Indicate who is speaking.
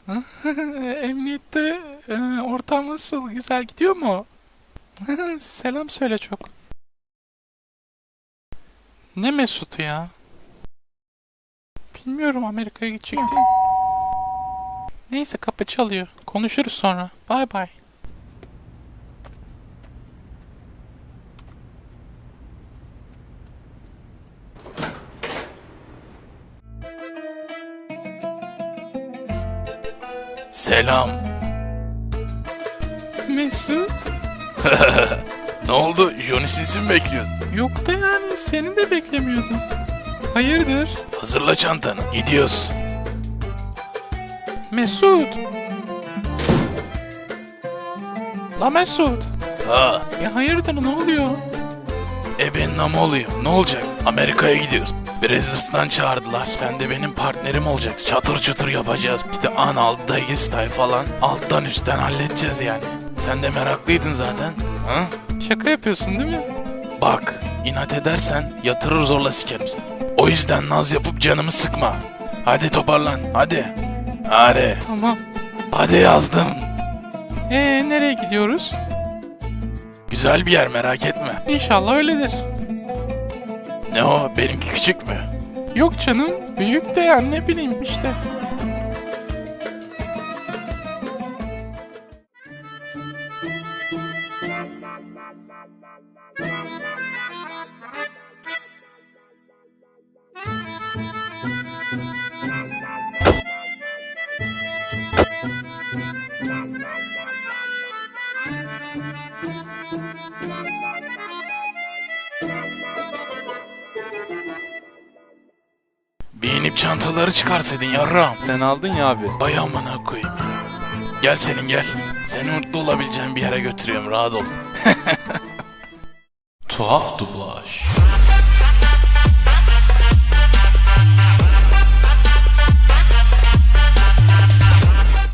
Speaker 1: Emniyette ortam nasıl? Güzel gidiyor mu? Selam söyle çok. Ne Mesut'u ya? Bilmiyorum, Amerika'ya gidecekti. Neyse, kapı çalıyor. Konuşuruz sonra. Bay bay.
Speaker 2: Selam.
Speaker 1: Mesut?
Speaker 2: Ne oldu? Johnny Sins'i mi bekliyordun?
Speaker 1: Yok da yani, seni de beklemiyordum. Hayırdır?
Speaker 2: Hazırla çantanı. Gidiyoruz.
Speaker 1: Mesut? La Mesut?
Speaker 2: Ha,
Speaker 1: Ya hayırdır, ne oluyor?
Speaker 2: benim ama oluyor. Ne olacak? Amerika'ya gidiyoruz. Brazzers'tan çağırdılar. Sen de benim partnerim olacaksın. Çatır çutur yapacağız. İşte Anal, Doggy Style falan. Alttan üstten halledeceğiz yani. Sen de meraklıydın zaten. Ha?
Speaker 1: Şaka yapıyorsun değil mi?
Speaker 2: Bak, inat edersen yatırır zorla sikerim seni. O yüzden naz yapıp canımı sıkma. Hadi toparlan, hadi. Hadi.
Speaker 1: Tamam.
Speaker 2: Hadi yazdım.
Speaker 1: Nereye gidiyoruz?
Speaker 2: Güzel bir yer, merak etme.
Speaker 1: İnşallah öyledir.
Speaker 2: Ne o, benimki küçük mü?
Speaker 1: Yok canım, büyük de yani, ne bileyim işte.
Speaker 2: Bir inip çantaları çıkarsaydın yarram.
Speaker 3: Sen aldın ya abi.
Speaker 2: Vay amına koyayım ya. Gel senin gel. Seni mutlu olabileceğin bir yere götürüyorum, rahat ol. Tuhaf dublaj.